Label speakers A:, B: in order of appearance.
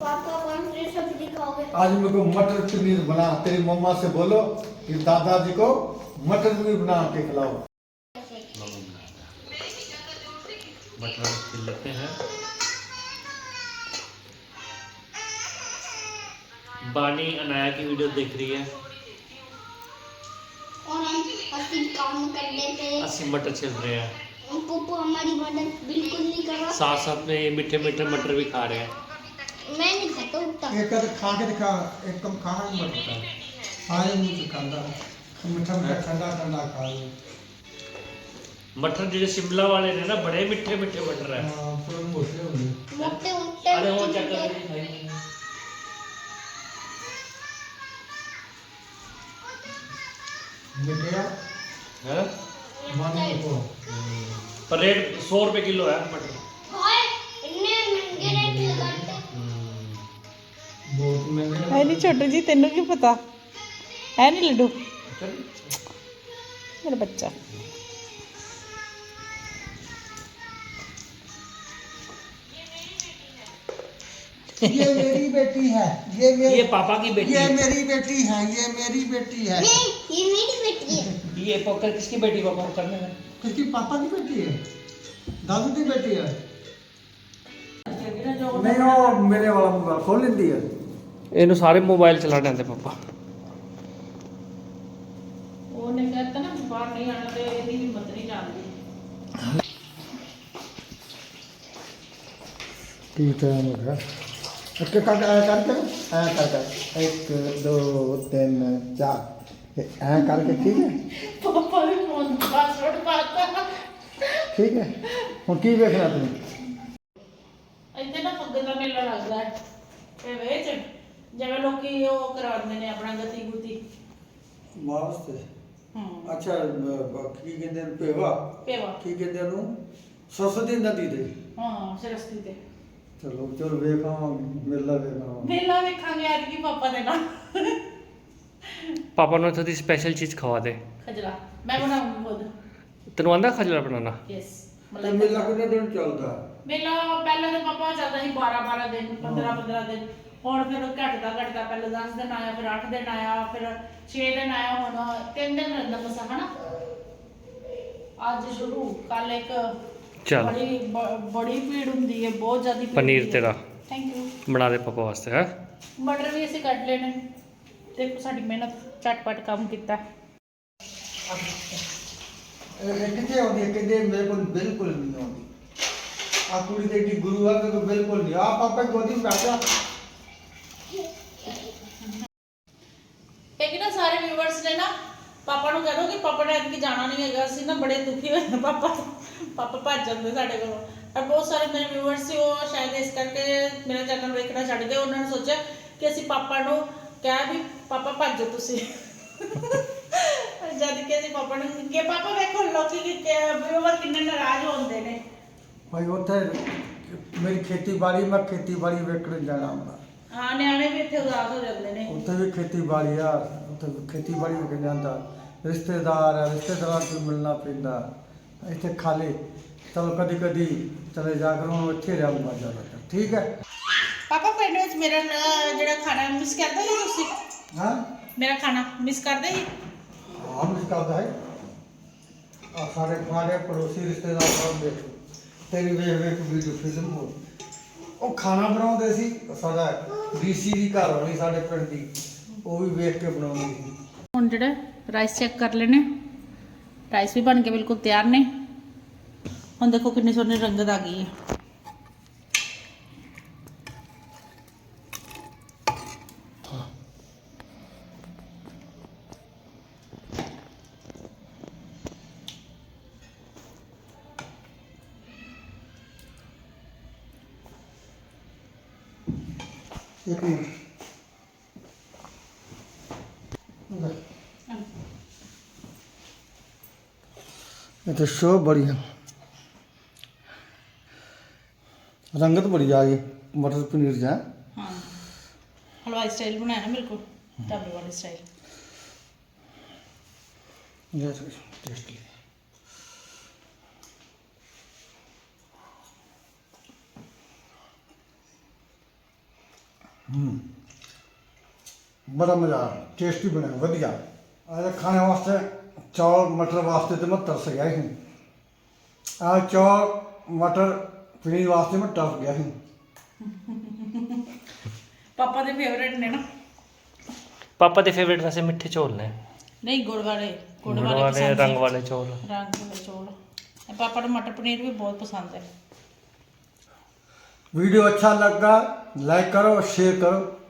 A: पापा कौन सी सब्जी खाओगे?
B: आज मेरे को मटर पनीर बना, तेरी मम्मा से बोलो कि दादाजी को मटर पनीर बना के खिलाओ।
C: मटर छील लेते हैं। बानी अनाया की वीडियो देख रही है
A: और हम असली काम कर लेते हैं।
C: अस्सी मटर छिल रहे हैं,
A: पप्पू हमारी मदद बिल्कुल नहीं कर रहा।
C: साथ साथ में ये मीठे मीठे मटर भी खा रहे हैं।
A: मैं नहीं खाता उतना।
B: एक कद खा के दिखा, एक कम खाना नहीं पड़ता, सारे मुंह से खाता मीठा मीठा ठंडा ठंडा खा लो।
C: मटर जो शिमला वाले ने ना बड़े मीठे मीठे मटर है।
B: हाँ, पूरे मोटे होंगे।
A: मोटे मोटे
C: अरे वो
A: मोटे
C: चेक कर
A: मोटे।
B: बेटिया
C: है
B: मानो को
C: पर रेट 100 रुपए किलो है मटर।
A: हाय इतने महंगे रेट लगाते।
B: बहुत महंगे
D: है नहीं छोटू जी, तेनू की पता है नहीं लड्डू मेरा बच्चा।
B: ये मेरी बेटी है, ये
C: पापा की बेटी
B: ये
C: है।
B: मेरी बेटी है, ये मेरी बेटी है।
A: नहीं ये मेरी बेटी है।
C: ये पोकर किसकी बेटी पापा करने में?
B: किसकी पापा की बेटी है? दादू की बेटी है। नहीं वो मेरे वाला मोबाइल खोल लेती है।
C: ਇਹਨੂੰ ਸਾਰੇ ਮੋਬਾਈਲ ਚਲਾਣੇ ਆਉਂਦੇ ਪਾਪਾ।
D: ਉਹਨੇ कहता ना बाहर नहीं आना तो ਇਹਦੀ ਹਿੰਮਤ नहीं जाती।
B: की टाइम हो गया? करके कर 1 2 3 4 ऐ करके ठीक है।
D: पापा ने फोन पासवर्ड पाता
B: ठीक है ਹੁਣ ਕੀ ਵੇਖਣਾ ਤੂੰ?
D: ਇੱਥੇ ਨਾ ਫੁੱਗੇ ਦਾ ਮੇਲਾ ਲੱਗਦਾ ਹੈ ਤੇ ਵਿੱਚ ਜਿਵੇਂ ਲੋਕੀ ਉਹ ਕਰਾਉਂਦੇ ਨੇ ਆਪਣਾ ਗਤੀ ਗੁਤੀ।
B: ਵਾਸਤੇ
D: ਹੂੰ
B: ਅੱਛਾ ਕੀ ਕਹਿੰਦੇ ਨੇ ਪੇਵਾ
D: ਪੇਵਾ
B: ਕੀ ਕਹਿੰਦੇ ਨੂੰ ਸਰਸਵਤੀ ਨਦੀ ਤੇ।
D: ਹਾਂ ਸਰਸਤੀ ਤੇ
B: ਚਲੋ ਚਲ ਵੇਖਾਂ ਮੇਲਾ ਵੇਖਾਂ।
D: ਮੇਲਾ ਵੇਖਾਂਗੇ ਅੱਜ ਕੀ ਪਾਪਾ ਦੇ ਨਾਲ।
C: ਪਾਪਾ ਨੂੰ ਇੱਥੋਂ ਦੀ ਸਪੈਸ਼ਲ ਚੀਜ਼ ਖਵਾ ਦੇ।
D: ਖਜਲਾ ਮੈਂ ਬਣਾਉਂਗੀ ਖੁਦ।
C: ਤੈਨੂੰ ਆਂਦਾ ਖਜਲਾ ਬਣਾਉਣਾ?
D: ਯੈਸ
B: ਤੇ ਮੇਲਾ ਕਿੰਨੇ ਦਿਨ ਚੱਲਦਾ?
D: ਮੇਲਾ ਪਹਿਲਾਂ ਤਾਂ ਪਾਪਾ ਚੱਲਦਾ ਸੀ 12 ਦਿਨ 15 ਦਿਨ। ਹੁਣ ਫਿਰ ਘਟਦਾ ਪਹਿਲਾਂ 10 ਦਿਨ ਆਇਆ, ਫਿਰ 8 ਦਿਨ ਆਇਆ, ਫਿਰ 6 ਦਿਨ ਆਇਆ, ਹੁਣ 3 ਦਿਨ ਰਹਿੰਦਾ ਬਸ ਹਨਾ। ਅੱਜ ਸ਼ੁਰੂ ਕੱਲ ਇੱਕ
C: ਚੱਲ
D: ਬੜੀ ਭੀੜ ਹੁੰਦੀ ਹੈ, ਬਹੁਤ ਜ਼ਿਆਦਾ ਭੀੜ
C: ਪਨੀਰ
D: ਹੁੰਦੀ ਹੈ।
C: ਤੇਰਾ
D: ਥੈਂਕ ਯੂ।
C: ਬਣਾ ਦੇ ਪਾਪਾ ਵਾਸਤੇ ਹੈ।
D: ਮਟਰ ਵੀ ਅਸੀਂ ਕੱਟ ਲੈਣੇ। ਦੇਖੋ ਸਾਡੀ ਮਿਹਨਤ ਝਟਪਟ ਕੰਮ ਕੀਤਾ।
B: ਇਹ ਕਿੱਥੇ ਆਉਂਦੀ ਹੈ? ਕਹਿੰਦੇ ਮੇਰੇ ਕੋਲ ਬਿਲਕੁਲ ਨਹੀਂ ਆਉਂਦੀ। ਆ ਕੁੜੀ ਦੇ ਦੀ ਗੁਰੂ ਆ ਮੇਰੇ ਕੋਲ ਬਿਲਕੁਲ ਨਹੀਂ। ਆ ਪਾਪਾ ਗੋਦੀ ਵਿੱਚ ਬੈਠਾ।
D: ਇੱਕ ਨਾ ਸਾਰੇ ਵਿਊਅਰਸ ਨੇ ਨਾ ਪਾਪਾ ਨੂੰ ਕਹਿ ਦੋ ਕਿ ਪਾਪਾ ਨੇ ਅੱਜ ਜਾਣਾ ਨਹੀਂ ਹੈਗਾ। ਅਸੀਂ ਨਾ ਬੜੇ ਦੁਖੀ ਹੋਏ ਪਾਪਾ ਭੱਜ ਜਾਂਦੇ ਸਾਡੇ ਕੋਲੋਂ। ਪਰ ਬਹੁਤ ਸਾਰੇ ਮੇਰੇ ਵਿਊਅਰਸ ਸੀ, ਉਹ ਸ਼ਾਇਦ ਇਸ ਕਰਕੇ ਮੇਰਾ ਚੈਨਲ ਵੇਖਣਾ ਛੱਡ ਗਏ। ਉਹਨਾਂ ਨੇ ਸੋਚਿਆ ਕਿ ਅਸੀਂ ਪਾਪਾ ਨੂੰ ਕਿਹਾ ਵੀ ਪਾਪਾ ਭੱਜੋ ਤੁਸੀਂ। ਜਦ ਕਿ ਅਸੀਂ ਪਾਪਾ ਨੂੰ ਕਿ ਪਾਪਾ ਵੇਖੋ ਲੋਕੀ ਵਿਊਅਰ ਕਿੰਨੇ ਨਾਰਾਜ਼ ਹੁੰਦੇ ਨੇ।
B: ਭਾਈ ਉੱਥੇ ਮੇਰੀ ਖੇਤੀਬਾੜੀ, ਮੈਂ ਖੇਤੀਬਾੜੀ ਵੇਖਣ ਜਾਣਾ ਹੁੰਦਾ।
D: ਹਾਂ ਨਿਆਣੇ ਵੀ ਇੱਥੇ ਉਦਾਸ ਹੋ ਜਾਂਦੇ ਨੇ।
B: ਉੱਥੇ ਵੀ ਖੇਤੀਬਾੜੀ ਆ, ਉੱਥੇ ਖੇਤੀਬਾੜੀ ਵੇਖਣ ਜਾਂਦਾ। ਰਿਸ਼ਤੇਦਾਰ ਆ, ਰਿਸ਼ਤੇਦਾਰਾਂ ਤੋਂ ਮਿਲਣਾ ਪੈਂਦਾ। ਇੱਥੇ ਖਾਲੀ ਚਲੋ ਕਦੀ ਕਦੀ ਚਲੇ ਜਾ ਕਰ, ਹੁਣ ਇੱਥੇ ਰਹੂੰਗਾ ਜ਼ਿਆਦਾ। ਠੀਕ ਹੈ
D: ਪਾਪਾ ਪਿੰਡ ਵਿੱਚ ਮੇਰਾ ਜਿਹੜਾ ਖਾਣਾ ਮਿਸ ਕਰਦੇ ਸੀ ਤੁਸੀਂ?
B: ਹਾਂ
D: ਮੇਰਾ ਖਾਣਾ ਮਿਸ ਕਰਦੇ ਸੀ?
B: ਹਾਂ ਮਿਸ ਕਰਦਾ ਹੈ। ਆ ਸਾਡੇ ਪੜੋਸੀ ਰਿਸ਼ਤੇਦਾਰ ਸਭ ਦੇਖੋ ਤੇਰੀ ਵੇਖ ਵੀਡੀਓ ਫਿਲਮ ਹੋ। ਉਹ ਖਾਣਾ ਬਣਾਉਂਦੇ ਸੀ, ਸਾਡਾ ਡੀਸੀ ਦੀ ਘਰ ਵਾਲੀ ਸਾਡੇ ਪਿੰਡ ਦੀ, ਉਹ ਵੀ ਵੇਖ ਕੇ ਬਣਾਉਂਦੀ ਸੀ।
D: ਹੁਣ ਜਿਹੜਾ ਰਾਈਸ ਚੈੱਕ ਕਰ ਲੈਣੇ। ਰਾਈਸ ਵੀ ਬਣ ਕੇ ਬਿਲਕੁਲ ਤਿਆਰ ਨੇ। ਹੁਣ ਦੇਖੋ ਕਿੰਨੀ ਸੋਹਣੀ ਰੰਗਤ ਆ ਗਈ ਹੈ।
B: एक मिनट ये तो शो बढ़िया, रंगत बड़ी आ गई मटर पनीर जा।
D: हाँ हलवाई स्टाइल बनाया ना बिल्कुल ढाबे वाले स्टाइल।
B: टेस्टी बड़ा मज़ा टेस्टी बने वधिया। अरे खाने वास्ते चौल मटर वास्ते तो मैं तरस गया ही। चौल मटर पनीर वास्ते मैं तरस गया ही।
D: पापा ਦੇ ਫੇਵਰੇਟ ਨੇ ਨਾ।
C: पापा के फेवरेट वैसे मिठे चौल ने,
D: नहीं गुड़ वाले
C: गुड़ वाले रंग वाले चौल।
D: रंग वाले चौल। पापा को मटर पनीर भी बहुत पसंद है।
B: वीडियो अच्छा लगा लाइक करो शेयर करो।